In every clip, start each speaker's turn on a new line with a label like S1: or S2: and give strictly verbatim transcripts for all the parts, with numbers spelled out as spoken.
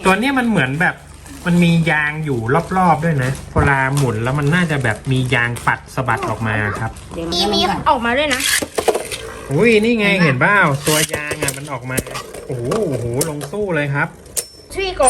S1: ตัวเนี้ยมันเหมือนแบบมันมียางอยู่รอบๆด้วยนะเวลาหมุนแล้วมันน่าจะแบบมียางปัดสะบัดออกมาครับ
S2: มีมีออกมาด้วยนะ
S1: อุ้ยนี่ไงเห็นเปล่าตัวยางอ่ะมันออกมาโอ้โหโอ้โหลงสู้เลยครับ
S2: ที่กบ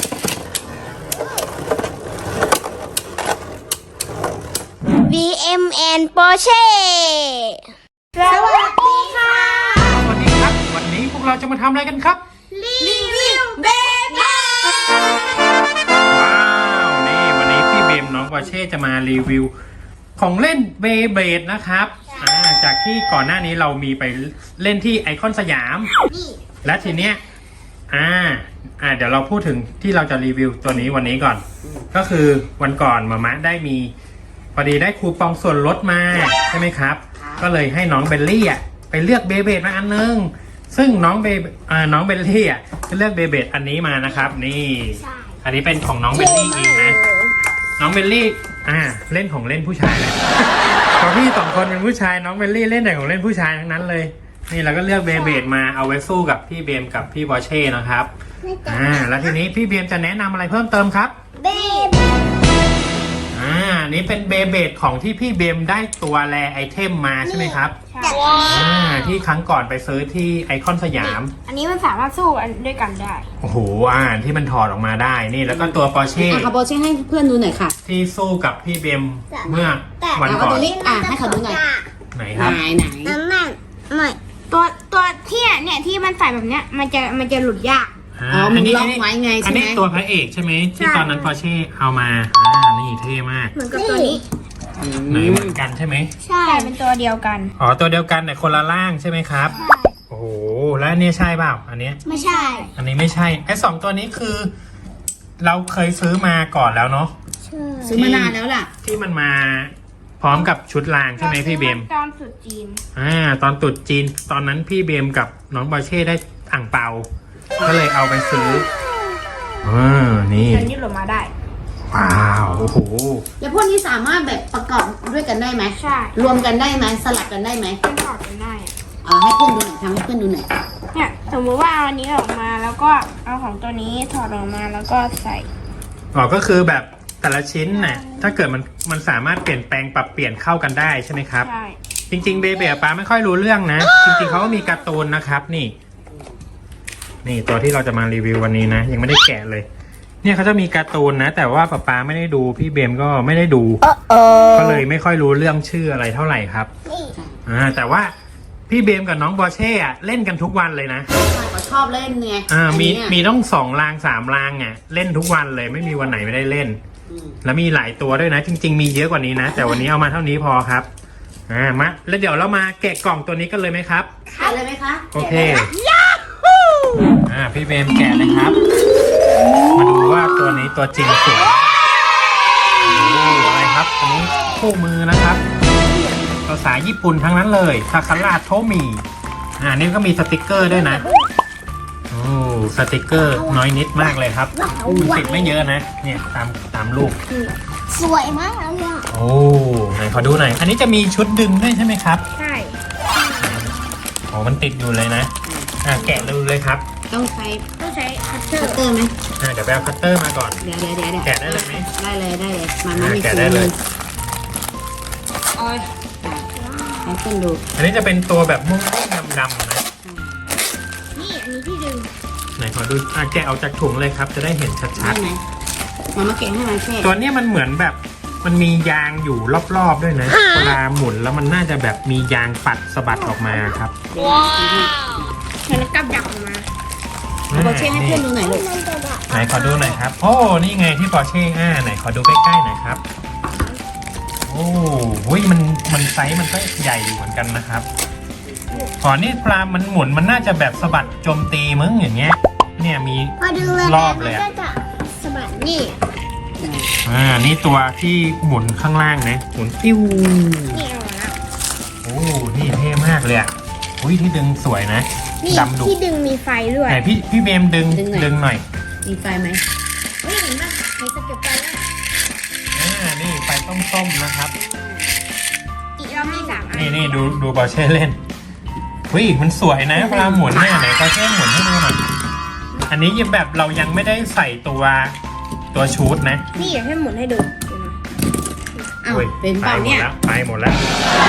S2: บี เอ็ม แอนด์ Porsche สวัสดีค่ะ
S1: สวัสดีครับวันนี้พวกเราจะมาทำอะไรกันครับ
S2: รีวิวเบเบ้
S1: ว้าวนี่วันนี้พี่เบมน้องปอร์เช่จะมารีวิวของเล่นเบเบดนะครับอ่าจากที่ก่อนหน้านี้เรามีไปเล่นที่ไอคอนสยาม
S2: นี่
S1: และทีเนี้ยอ่าอ่าเดี๋ยวเราพูดถึงที่เราจะรีวิวตัวนี้วันนี้ก่อน ก็คือวันก่อนมามะได้มีพอดีได้คูปองส่วนลดมาใช่ไหมครับ ก็เลยให้น้องเบลลี่อ่ะไปเลือกเบเบดมาอันนึงซึ่งน้องเบอ่าน้องเบลลี่อ่ะจะเลือกเบเบดอันนี้มานะครับนี่อันนี้เป็นของน้องเบลลี่เองนะน้องเบลลี่อ่าเล่นของเล่นผู้ชายเลยพอพี่สองคนเป็นผู้ชายน้องเบลลี่เล่นแต่ของเล่นผู้ชายทั้งนั้นเลยนี่เราก็เลือกเบเบดมาเอาไว้สู้กับพี่เบมกับพี่บอเช่นะครับอ่าแล้วทีนี้พี่เบมจะแนะนำอะไรเพิ่มเติมครับ
S2: เบเบ้
S1: อ่านี่เป็นเบเบดของที่พี่เบมได้ตัวแรไอเทมมาใช่ไหมครับ
S2: ใช่
S1: อ่าที่ครั้งก่อนไปซื้อที่ไอคอนสยาม
S2: อันนี้มันสามารถสู้อันด้วยกันได้
S1: โอ้โหอ่าที่มันถอดออกมาได้นี่แล้วก็ตัวปอร์เช่
S3: อ่ะเขาโบเช่ให้เพื่อนดูหน่อยค่ะ
S1: ที่สู้กับพี่เบมเมื่อวัน
S3: เอา
S1: ก่อ
S3: ตัวน นี้อ่ะให้เขาดูหน่อย
S1: ไหน
S3: ไห
S1: ครับ
S3: นไหน
S2: นั่นนั่นไม่ตัวตัวที่เนี่ยที่มันใส่แบบเนี้ยมันจะมันจะหลุดยาก
S3: อ๋อมึงล็อกไว้ไง
S1: อั
S3: ใช่
S1: น
S3: ไหม
S1: นี้ตัวพระเอกใช่ไหมที่
S2: ใช่
S1: ตอนนั้นปอร์เช่เอามาอ่านี่เท่มาก
S2: เหมือนกับตัวนี้
S1: ไหนเหมือนกันใช่ไหม
S2: ใช่เป็นตัวเดียวกัน
S1: อ๋อตัวเดียวกันแต่คนละร่างใช่ไหมครับโอ้โหแล้วอันนี้ใช่เปล่าอันเนี้ย
S2: ไม่ใช่
S1: อันนี้ไม่ใช่ไอ้สองตัวนี้คือ เราเคยซื้อมาก่อนแล้วเนาะ
S3: ซื้อมานานแล้วล่ะ
S1: ที่มันมาพร้อมกับชุดรางใช่ไหมพี่เบม
S2: ตอนสุดจีน
S1: อ่าตอนตรุษจีนตอนนั้นพี่เบมกับน้องบอเช่ได้อ่างเปา ก็เลยเอาไปซื้ออ่านี่
S2: อันนี้หลุดมาได้
S1: ว้าวโอ้โห
S3: แล้วพวกนี้สามารถแบบประกอบด้วยกันได้ไหม
S2: ใช่
S3: รวมกันได้ไหมสลับกันได้ไหม
S2: มันถอดกันได้อะ
S3: เอ่าให้เพื่อนดูหน่อยทำให้เพื่อนดูหน่อย
S2: เนี่ยสมมติว่าเอาอันนี้ออกมาแล้วก็เอาของตัวนี้ถอดออกมาแล้วก็ใส่
S1: อ๋อก็คือแบบแต่ละชิ้นน่ะถ้าเกิดมันมันสามารถเปลี่ยนแปลงปรับเปลี่ยนเข้ากันได้ใช่ไหมครับ
S2: ใช่
S1: จริงๆเบเบป้าไม่ค่อยรู้เรื่องนะ จริงๆเขาก็มีการ์ตูนนะครับนี่ นี่ตัวที่เราจะมารีวิววันนี้นะ ยังไม่ได้แกะเลย เนี่ยเขาจะมีการ์ตูนนะ แต่ว่าป๊าป๊าไม่ได้ดูพี่เบมก็ไม่ได้ดูก็เลยไม่ค่อยรู้เรื่องชื่ออะไรเท่าไหร่ครับอ่าแต่ว่าพี่เบมกับน้องบอเช่อะเล่นกันทุกวันเลยนะ
S3: ใช่เขาชอบเล่นไง
S1: อ่ามี
S3: อันนี้
S1: มีต้องสองรางสามรางอ่ะเล่นทุกวันเลยไม่มีวันไหนไม่ได้เล่น
S3: อืม
S1: แล้วมีหลายตัวด้วยนะ จริง ๆ มีเยอะกว่านี้นะ แต่วันนี้เอามาเท่านี้พอครับอ่ามาแล้วเดี๋ยวเรามาแกะกล่องตัวนี้กันเลยไหมครับ
S3: ขายเลยไหมคะ
S1: โอเคอ่าพี่เบมแกะเลยครับ มาดูว่าตัวนี้ตัวจริงสวยโอ้อะไรครับอันนี้คู่มือนะครับภาษาญี่ปุ่นทั้งนั้นเลยทาคาราโทมิอ่านี่ก็มีสติกเกอร์ด้วยนะโอ้สติกเกอร์น้อยนิดมากเลยครับมันติดไม่เยอะนะเนี่ยตามตามรูป
S2: สวยมากเลยอ่ะ
S1: โอ้ไหนขอดูหน่อยอันนี้จะมีชุดดึงด้วยใช่ไหมครับ
S2: ใช่
S1: โอ้มันติดอยู่เลยนะอ่าแกะดูเลยครับ
S3: ต้องใช้
S2: ต้องใช้คัตเตอ
S3: คัต
S2: ร์
S3: เตอร์ไหม
S1: อ่าเดี๋ยวไปเอาคัตเตอร์มาก่อน
S3: เดี๋ยวเดี๋ยวเดี๋ยวเดี๋ยว
S1: แกะได้เลยไหม
S3: ได้เลยได้เลยมันไม่
S1: อ่า
S3: มี
S1: แกะ
S3: ถุง
S1: ได้เล
S3: มื
S1: ย
S3: ออ่ะให้เพื่อนดู
S1: อันนี้จะเป็นตัวแบบม่วงๆดำๆนะ
S2: นี่อันนี้ที่ดึง
S1: ไหนขอดูอ่ะแกะออกจากถุงเลยครับ จะได้เห็นชั
S3: ได้
S1: ด
S3: ไหมมามาเก่งให้มันแค่
S1: ๆ ตัวเนี้ยมันเหมือนแบบมันมียางอยู่รอบๆด้วยนะ เวลาหมุนแล้วมันน่าจะแบบมียางปัดสะบัดออกมาครับ
S2: ว้าวมันกับดักออกมา
S3: เอาโบเช่ให้เพื่อนดูหน่อยลูก
S1: ไหนขอดูหน่อยครับ โอ้ นี่ไงที่ปอร์เช่อ่าไหนขอดูใกล้ๆหน่อยครับ โอ้โหมันมันไซส์มันก็ใหญ่อยู่เหมือนกันนะครับขอนี่ปลามันหมุนมันน่าจะแบบสะบัดโจมตีมึงอย่างเงี้ย เนี่ยมี
S2: พอดึงเลย
S1: รอบเลยอะ
S2: มันก็จะสะบัดนี่
S1: อ่า นี่ตัวที่หมุนข้างล่างนะ หมุนติ้ว
S2: นี่เอามาแล้ว
S1: โอ้ นี่เท่มากเลยอ่ะ อุ้ยที่ดึงสวยนะ
S2: นี่
S1: ดำดุ
S2: ที่ดึงมีไฟด้วย
S1: ไหนพี่พี่เบมดึงดึงหน่อย
S3: มีไฟไหม
S2: เฮ้ยเห็นป่ะมีสเก็ตไฟแล้ว
S1: อ่า นี่ไฟส้มๆนะครับ
S2: อีกเรามีสามอัน
S1: นี่นี่ดูดูบอเช่เล่นอุ้ยมันสวยนะเวลาหมุนเนี่ยไหนบอเช่หมุนให้ดูหน่อยอันนี้ยังแบบเรายังไม่ได้ใส่ตัวตัวชูดนะ
S2: นี่อยากให้หมุนให้ดู
S3: อ้าว
S1: อุ้ย
S3: เป็นเปล่าเนี่ย
S1: ไปหมดแล้ว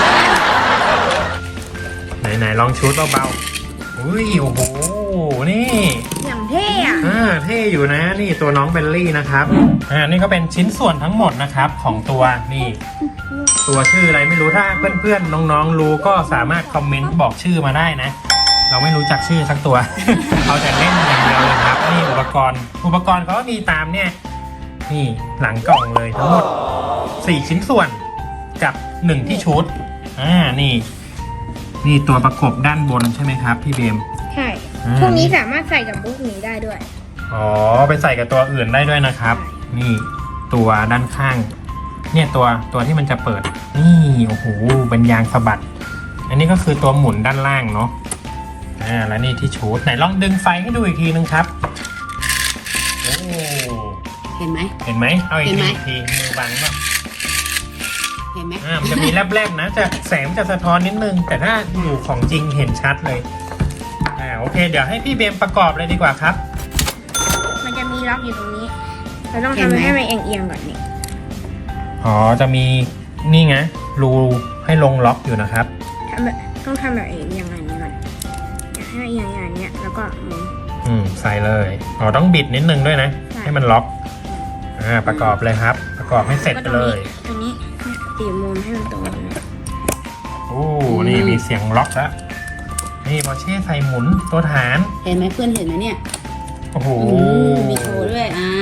S1: ไหนไหนลองชูดเบาๆอุ้ยโอ้โหนี่
S2: อย่างเท่อะ
S1: อ่าเท่อยู่นะนี่ตัวน้องเบลลี่นะครับอ่านี่ก็เป็นชิ้นส่วนทั้งหมดนะครับของตัวนี่ตัวชื่ออะไรไม่รู้ถ้าเพื่อนๆน้องๆรู้ก็สามารถคอมเมนต์บอกชื่อมาได้นะ เราไม่รู้จักชื่อสักตัว เอาแต่เล่นอย่างเดียวเลยครับนี่อุปกรณ์อุปกรณ์เขาก็มีตามเนี่ยนี่หลังกล่องเลยทั้งหมดสี่ชิ้นส่วนกับหนึ่งที่ชุดอ่านี่นี่ตัวประกบด้านบนใช่ไหมครับพี่เบม
S2: ใช่
S1: อ่า
S2: พวกนี้สามารถใส่กับพวกนี้ได้ด้วย
S1: อ๋อไปใส่กับตัวอื่นได้ด้วยนะครับ นี่ตัวด้านข้าง เนี่ยตัวตัวที่มันจะเปิด นี่โอ้โหเป็นยางสะบัด อันนี้ก็คือตัวหมุนด้านล่างเนาะอ่าแล้วนี่ที่ชูดไหนลองดึงไฟให้ดูอีกทีนึงครับโอ้
S3: เห็นไหม
S1: เห็นไหมเอาอีก
S3: เห็นไหม
S1: ทีอีกทีมือบังป่ะ
S3: เห็นไหม
S1: อ่ามันจะมีแลบๆนะจะแสงจะสะท้อนนิดนึง แต่ถ้าอยู่ของจริงเห็นชัดเลยอ่าโอเค เดี๋ยวให้พี่เบมประกอบเลยดีกว่าครับ
S2: มันจะมีล็อกอยู่ตรงนี้ เราต้องทำให้มันเอียงๆก่อนนี่
S1: อ๋อจะมีนี่ไงรูให้ลงล็อกอยู่นะครับ
S2: ทำแบบต้องทำแบบเอียงอย่างนี้ก่อนอยากให้เอียงอย่างเนี้ยแล้วก็หมุน
S1: อืมใส่เลยอ๋อต้องบิดนิดนึงด้วยนะ
S2: ใช่
S1: ให้มันล็อกอ่าประกอบเลยครับ ประกอบให้เสร็จไปเลย
S2: ตรงนี้เนี่ยตีมุมให้มันตรงนี้
S1: โอ้นี่มีเสียงล็อกแล้วนี่บอเช่ใส่หมุนตัวฐาน
S3: เห็นไหมเพื่อนเห็นไหมเนี่ย
S1: โอ้โห
S3: อืมมีโชว์ด้วยอ่า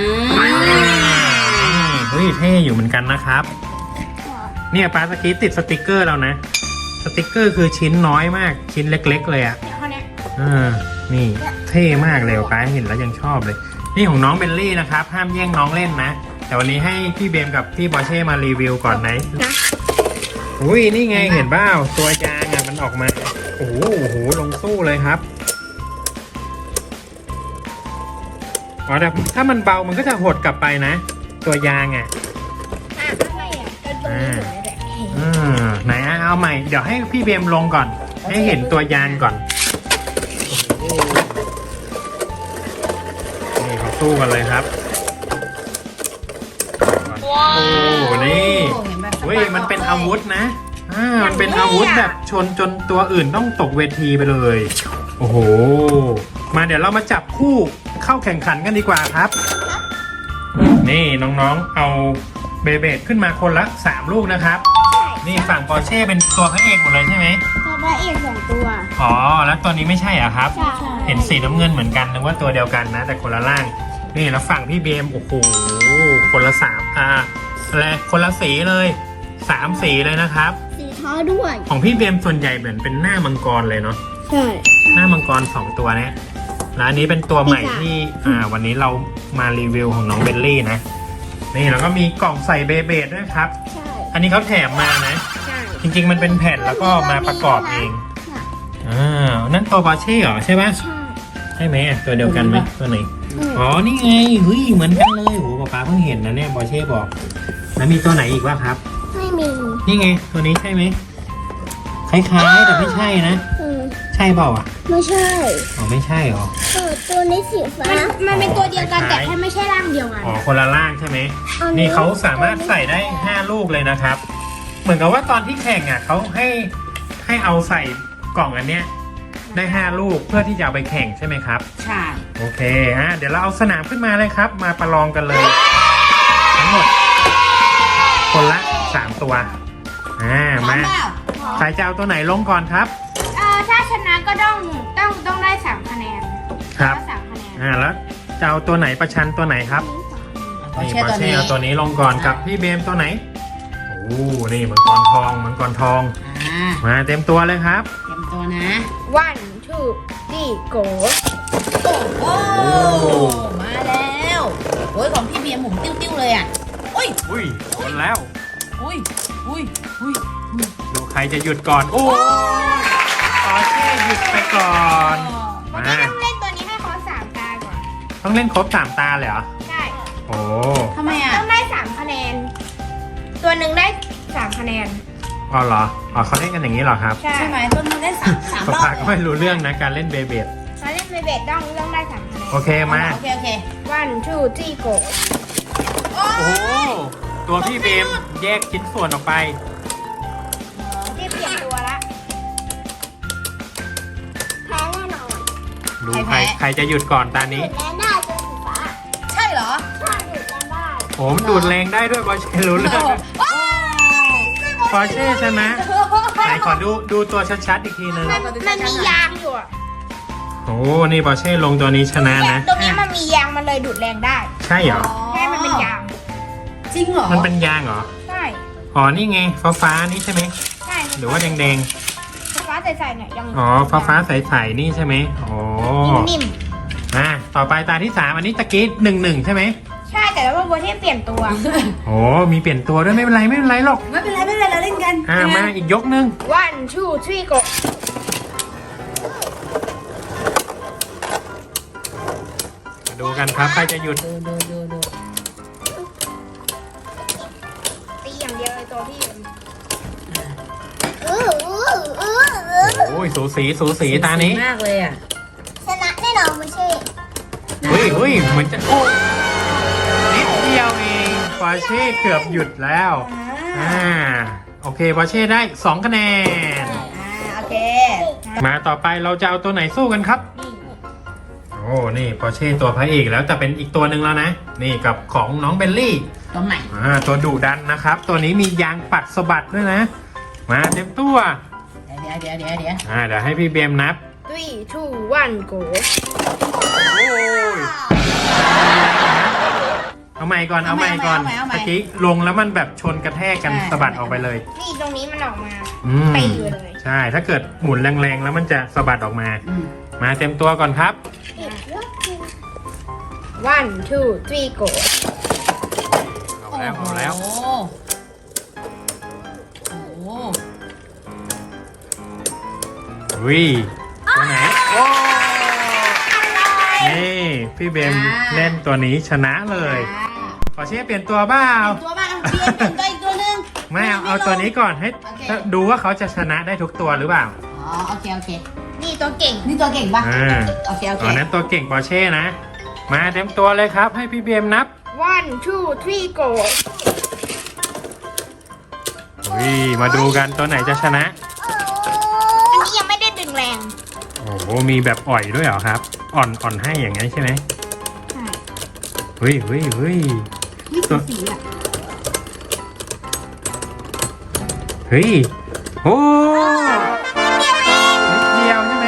S1: เฮ้ยเท่อยู่เหมือนกันนะครับ เนี่ยปาสกีติดสติกเกอร์แล้วนะ สติกเกอร์คือชิ้นน้อยมากชิ้นเล็ก ๆ เลยอะ
S2: เดี๋ยวข้อเนี้ย
S1: อ่านี่เท่มากเลยป้าเห็นแล้วยังชอบเลย นี่ของน้องเบลลี่นะครับ ห้ามแย่งน้องเล่นนะ แต่วันนี้ให้พี่เบมกับพี่บอเช่มารีวิวก่อนไหน
S2: นะ
S1: อุ้ยนี่ไงเห็นบ้าตัวยางอ่ะมันออกมา โอ้โหโอ้โหลงสู้เลยครับอ๋อแต่ถ้ามันเบามันก็จะหดกลับไปนะ ตัวยางอ่ะ
S2: อ่ะไม่อ่ะก็ตรงนี้หมุนได้ด้วย
S1: อ่าไหนอ่ะเอาใหม่ เดี๋ยวให้พี่เบมลงก่อน ให้เห็นตัวยางก่อนโอ้โหนี่เขาสู้กันเลยครับโอ้โหนี่
S3: โอ้เห็นไหม
S1: เฮ้ยมันเป็นอาวุธนะ อ่า มันเป็นอาวุธแบบชนจนตัวอื่นต้องตกเวทีไปเลย โอ้โห มาเดี๋ยวเรามาจับคู่เข้าแข่งขันกันดีกว่าครับ นี่น้องๆ เอาเบเบดขึ้นมาคนละสามลูกนะครับ นี่ฝั่งปอร์เช่เป็นตัวพระเอกหมดเลยใช่ไหม
S2: ตัวพระเอกสองตัว
S1: อ๋อ แล้วตัวนี้ไม่ใช่เหรอครับ
S2: ใช่
S1: เห็นสีน้ำเงินเหมือนกันนึกว่าตัวเดียวกันนะ แต่คนละร่าง นี่แล้วฝั่งพี่เบมโอ้โหคนละสามอ่าอะไรคนละสีเลยสามสีเลยนะครับ
S2: สีท้อด้วย
S1: ของพี่เบมส่วนใหญ่เหมือนเป็นหน้ามังกรเลยเนาะ
S2: ใช่
S1: หน้ามังกรสองตัวเนี้ยแล้วอันนี้เป็นตัวใหม่
S2: ปีศาจ
S1: ที่อ่าวันนี้เรามารีวิวของน้องเบลลี่นะนี่แล้วก็มีกล่องใส่เบเบดด้วยครับ
S2: ใช่
S1: อันนี้เขาแถมมานะ
S2: ใช่
S1: จริงๆมันเป็นแผ่นแล้วก็มาประกอบเองอ่านั่นตัวบอเช่เหรอใช่ปะ
S2: ใช่
S1: ใช่ไหมอ่ะตัวเดียวกันไหมตัวไหน
S2: อืม
S1: อ๋อ นี่ไงเฮ้ยเหมือนกันเลยโหป๊าป๊าเพิ่งเห็นนะเนี่ยบอเช่บอก แล้วมีตัวไหนอีกวะครับ
S2: ไม่มี
S1: นี่ไงตัวนี้ใช่ไหมคล้ายๆแต่ไม่ใช่นะ
S2: อืม
S1: ใช่เปล่าอ่ะ
S2: ไม่ใช่
S1: อ๋อไม่ใช่เหรอ
S2: เออตัวนี้สีฟ้า มันเป็นตัวเดียวกันแต่แค่ไม่ใช่ร่างเดียวกัน
S1: อ๋อคนละล่างใช่ไหม
S2: อันนี้
S1: นี่เขาสามารถใส่ได้ห้าลูกเลยนะครับ เหมือนกับว่าตอนที่แข่งอ่ะเขาให้ให้เอาใส่กล่องอันเนี้ยได้ห้าลูกเพื่อที่จะเอาไปแข่งใช่ไหมครับ
S3: ใช่
S1: โอเคฮะเดี๋ยวเราเอาสนามขึ้นมาเลยครับ มาประลองกันเลย ทั้งหมด คนละสามตัวอ่า
S3: พร้อ
S1: มาม
S3: เปล่า
S1: ใครจะเอาตัวไหนลงก่อนครับ
S2: เออถ้าชนะก็ต้องต้องต้องได้สามคะแนน
S1: ครับ
S2: ก็สามคะแนน
S1: อ่าแล้วจะเอาตัวไหนประชันตัวไหนครับ
S3: ขอ
S1: นี่
S3: เชื่อบ
S1: อ
S3: ตัว
S1: เช่
S3: นี้
S1: เอาตัวนี้ลงก่อนกับพี่เบมตัวไหนโอ้นี่มังกรทองมังกรทอง
S3: อ่า
S1: มาเต็มตัวเลยครับ
S3: เตรียมตัวนะ
S2: วันทูดีโก
S3: โอ้โหมาแล้วโอ้ยของพี่เบียร์หมุนติ้วๆเลยอ่ะอุ้ย
S1: อุ้ยชนแล้ว
S3: อุ้ยอุ้ยอุ้ย
S1: ดูใครจะหยุดก่อนโอ้บอเช่หยุดไปก่อน
S2: มัน
S1: มา
S2: ก็ต้องเล่นตัวนี้ให้เขาสามตาก่อน
S1: ต้องเล่นครบสามตาเลยเหรอ
S2: ใช่
S1: โอ้
S3: ทำไมอ่ะ
S2: ต้องได้สามคะแนน ตัวหนึ่งได้สามคะแนน
S1: อ๋อเหรออ๋อเขาเล่นกันอย่างนี้เหรอครับ
S2: ใช่
S3: ใช่ไหมต้นมันได้สามสามรอบ
S1: ป๊าก็ไม่รู้เรื่องนะการเล่นเบเบด
S2: เราเล่นไม่เบ็ดต้องต้องได้สามคะแนน
S1: โอเคมา
S3: โอเคโอเค
S2: one two three go
S3: โอ้
S1: โอ้โหตัวพี่เบมแยกชิ้นส่วนออกไป
S2: ที่เปลี่ยนตัวละแพ้แน่นอน
S1: ดูใครใครจะหยุดก่อนตานี้
S2: แพ้ได้ตัวสีฟ้า
S3: ใช่เหรอ
S2: ใช่หยุดแพ้ได้
S1: โอ้มันดูดแรงได้ด้วยปอร์เช่รู้เลย
S3: โอ้
S1: ปอร์เช่ชนะไหนขอดูดูตัวชัดๆอีกทีนึง
S2: มันมันมียางอยู่อะ
S1: โอ้นี่ปอร์เช่ลงตัวนี้ชนะ
S2: เนี่ย
S1: นะ
S2: ตรงนี้มันมียางมันเลยดูดแรงได้
S1: ใช่เหรอ
S2: แค่มันเป็นยาง
S3: จริงเหรอ
S1: มันเป็นยางเหรอ
S2: ใช่
S1: อ๋อนี่ไงฟ้าฟ้าๆนี่ใช่ไหม
S2: ใช่
S1: หรือว่าแดง
S2: ฟ้าใสๆเนี่ยยัง
S1: ๆอ๋อฟ้าฟ้าๆใสๆนี่ใช่ไหมโอ้
S2: นิ่ม
S1: อ่ะต่อไปตาที่สามอันนี้ตะกี้หนึ่งหนึ่งใช่ไหม
S2: ๆใช่แต่ว่าโบเทนเปลี่ยนตัว
S1: โอ้มีเปลี่ยนตัวด้วยไม่เป็นไรไม่เป็นไรหรอก
S3: ไม่เป็นไรไม่เป็นไรเราเล่นกัน
S1: อ่ามาอีกยกนึง
S2: one two three go
S1: มาดูกันครับใครจะหยุด
S3: ดูดูดูดู
S2: ตีอย่างเดียวเลยตัวพี่
S1: โอ้ยสูสีสูสีตานี้
S3: มากเลยอ่ะ
S2: ชนะแน่นอนไม่ใช่
S1: เฮ้ยเฮ้ยเหมือนจะโอ้นิดเดียวเองปอร์เช่เกือบหยุดแล้วอ่าโอเคปอร์เช่ได้สองคะแนน
S3: อ่าโอเค
S1: มาต่อไปเราจะเอาตัวไหนสู้กันครับ โอ้นี่ปอร์เช่ตัวพระเอกแล้วจะเป็นอีกตัวหนึ่งแล้วนะ นี่กับของน้องเบลลี่
S3: ตรงไหน
S1: อ่าตัวดุดันนะครับ ตัวนี้มียางปัดสะบัดด้วยนะ มาเต็มตัว
S3: เดี๋ยวเดี๋ยวเดี๋ยวเดี๋ยว
S1: อ่าเดี๋ยวให้พี่เบมนับ
S2: three two one go
S1: โอ้ยเอาใหม่ก่อนเอาใหม่ก่อนเมื่อกี้ลงแล้วมันแบบชนกระแทกกันสะบัดออกไปเลย
S2: นี่ตรงนี้มันออกมา
S1: อืม
S2: ตีเลย
S1: ใช่ถ้าเกิดหมุนแรงๆแล้วมันจะสะบัดออกมา
S3: อืม
S1: มาเต็มตัวก่อนครับ
S2: one two three go
S1: เอาแล้วเอาแล้ว
S3: โอ้โหโอ้โห
S1: วิตัวไหนโอ้นี่พี่เบมเล่นตัวนี้ชนะเลยขอเช่เปลี่ยนตัวเปล่า
S3: ตัวบ้างเปลี่ยนเป็นตัวอีกตัวหนึง
S1: ไม่เอาเอาตัวนี้ก่อนให้
S3: โอเค
S1: ดูว่าเขาจะชนะได้ทุกตัวหรือเปล่า
S3: อ๋อโอเคโอเค
S2: นี่ตัวเก่ง
S3: นี่ตัวเก่งป่ะ
S1: อ่า
S3: โอเคโอเค
S1: อ๋อนั้นตัวเก่งปอร์เช่นะ มาเต็มตัวเลยครับ ให้พี่เบมนับ
S2: one two three go
S1: วิมาดูกันตัวไหนจะชนะ
S2: อันนี้ยังไม่ได้ดึงแรง
S1: โอ้โหมีแบบอ่อยด้วยเหรอครับ อ่อนอ่อนให้อย่างนั้นใช่ไหม
S2: ใช่
S1: เฮ้ยเฮ้ยเฮ้ย
S3: นี่คือสีอ่ะ
S1: เฮ้ยโอ้นิดเดียวใช่ไหม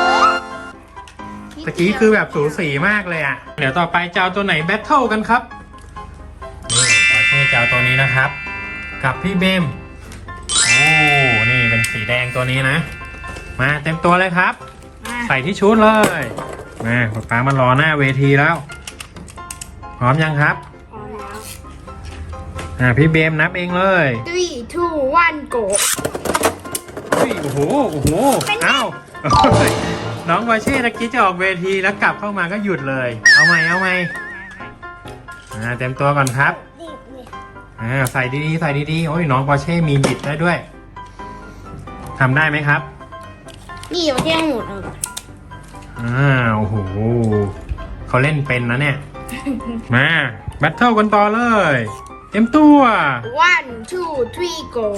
S1: ตะกี้คือแบบสูสีมากเลยอ่ะ เดี๋ยวต่อไปจะเอาตัวไหนแบทเทิลกันครับ นี่ปอร์เช่จะเอาตัวนี้นะครับ กับพี่เบม โอ้ นี่เป็นสีแดงตัวนี้นะ มาเต็มตัวเลยครับ
S2: มา
S1: ใส่ที่ชุดเลย มาป๊าป๊ามารอหน้าเวทีแล้ว พร้อมยังครับ
S2: พอแล้ว
S1: อ่าพี่เบมนับเองเลย
S2: three two one go
S1: เฮ้ยโอ้โห โอ้โห อ้าวเฮ้ยน้องวาเช่ตะกี้จะออกเวทีแล้วกลับเข้ามาก็หยุดเลย เอาใหม่ เอาใหม่อ่าเต็มตัวก่อนครับ อ่าใส่ดีๆ ใส่ดีๆ โอ้ยน้องวาเช่มีบิดได้ด้วย ทำได้ไหมครับ
S2: นี่อยู่ที่ให้หมุนเอาก่อน
S1: อ่าโอ้โหเขาเล่นเป็นนะเนี่ย มาแบทเทิลกันต่อเลย เต็มตัว
S2: one two three go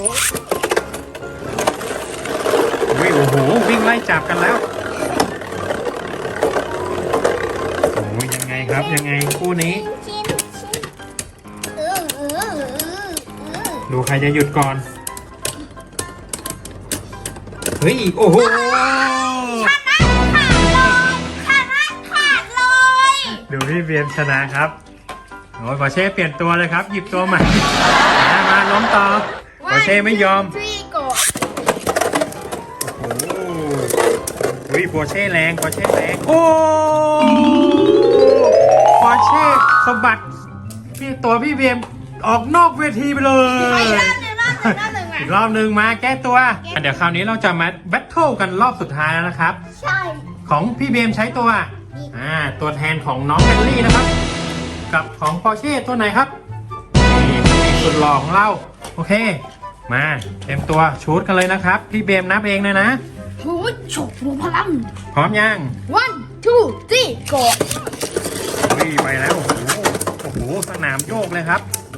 S1: วิโอ้โหวิ่งไล่จับกันแล้วโอ้ยยังไงครับยังไงคู่นี้
S2: ชิ้นชิ้นเออเออเออเออ
S1: ดูใครจะหยุดก่อน เฮ้ยโอ้โห
S2: ขาดเลยขาดเลยขาดเลย
S1: ดูพี่เบียมชนะครับโอ้ยปอร์เช่เปลี่ยนตัวเลยครับ หยิบตัวใหม่ มามาล้มต่อปอร์เช่ไม่ยอม
S2: one two three go
S1: โอ้โหวิปอร์เช่แรงปอร์เช่แรงโอ้ปอร์เช่สะบัดพี่ตัวพี่เบียมออกนอกเวทีไปเลย
S2: อีกรอบหนึ่งรอบหนึ่งรอบหนึ่ง
S1: อีกรอบหนึ่งมาแก้ตัว เดี๋ยวคราวนี้เราจะมาแบทเทิลกันรอบสุดท้ายแล้วนะครับ
S2: ใช่
S1: ของพี่เบมใช้ตัว อ่า ตัวแทนของน้องแบลลี่นะครับ กับของปอร์เช่ตัวไหนครับ นี่นี่สุดหล่อของเรา โอเค มาเต็มตัวชูดกันเลยนะครับ พี่เบมนับเองเลยนะ
S2: โอ้ยฉกรูพลัง
S1: พร้อมยัง
S2: one
S3: ทูสี่โก
S1: เฮ้ยไปแล้ว โอ้โหโอ้โหสนามโยกเลยครับ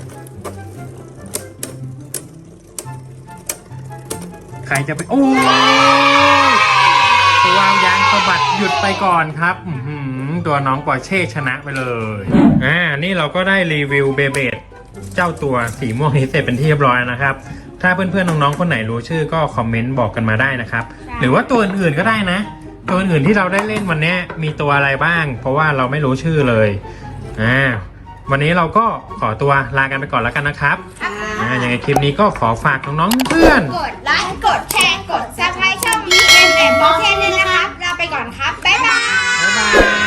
S1: ใครจะไป โอ้ยตัวยางสะบัดหยุดไปก่อนครับอื้อหือตัวน้องปอร์เช่ชนะไปเลยอ่านี่เราก็ได้รีวิวเบเบดเจ้าตัวสีม่วงนี้เสร็จเป็นที่เรียบร้อยนะครับ ถ้าเพื่อนๆน้องๆคนไหนรู้ชื่อก็คอมเมนต์บอกกันมาได้นะครับ หรือว่าตัวอื่นๆก็ได้นะ ตัวอื่นที่เราได้เล่นวันนี้มีตัวอะไรบ้าง เพราะว่าเราไม่รู้ชื่อเลยอ่าวันนี้เราก็ขอตัวลากันไปก่อนแล้วกันนะครับอ่ายังไงคลิปนี้ก็ขอฝากน้องๆเพื่อน
S2: กดไลค์กดแชร์กดซับสไครต์ช่อง บี เอ็ม แอนด์ Porsche ด้วยนะครับลาไปก่อนครับ บ๊ายบาย
S1: บ๊ายบาย